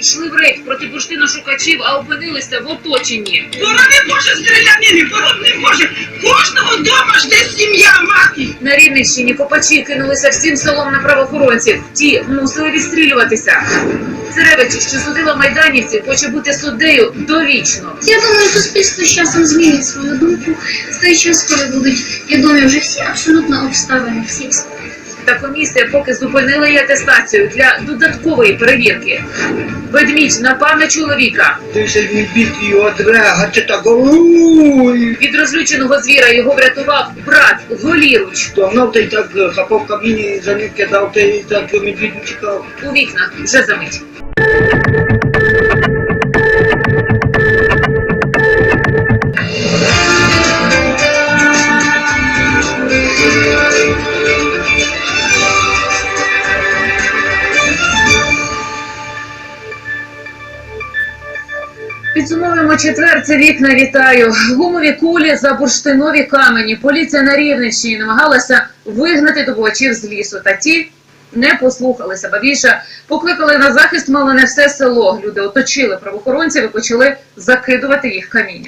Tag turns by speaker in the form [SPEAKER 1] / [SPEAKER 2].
[SPEAKER 1] Йшли в рейд проти бурштиношукачів, а опинилися в оточенні.
[SPEAKER 2] Борони Боже стрілянини, борони Боже! Кожного дома жде сім'я, мати!
[SPEAKER 1] На Рівненщині копачі кинулися всім селом на правоохоронців. Ті мусили відстрілюватися. Церевич, що судила майданівців, хоче бути суддею довічно.
[SPEAKER 3] Я думаю, суспільство з часом змінить свою думку. В той час, коли будуть відомі вже всі абсолютно обставини, всі.
[SPEAKER 1] Та комісія поки зупинила її атестацію для додаткової перевірки. Ведмідь напав на чоловіка.
[SPEAKER 2] Ти ж відбіг його дрега, чи так голуй!
[SPEAKER 1] Від розлюченого звіра його врятував брат голіруч.
[SPEAKER 2] Догнав ти так хапав камінь, за ним кидав, ти так медвідь чекав.
[SPEAKER 1] У вікнах вже за мить. Підсумовуємо четвер, це вікна, вітаю. Гумові кулі за бурштинові камені. Поліція на Рівненщині намагалася вигнати добувачів з лісу. Та ті не послухалися, ба більше покликали на захист мало не все село. Люди оточили правоохоронців і почали закидувати їх камінням.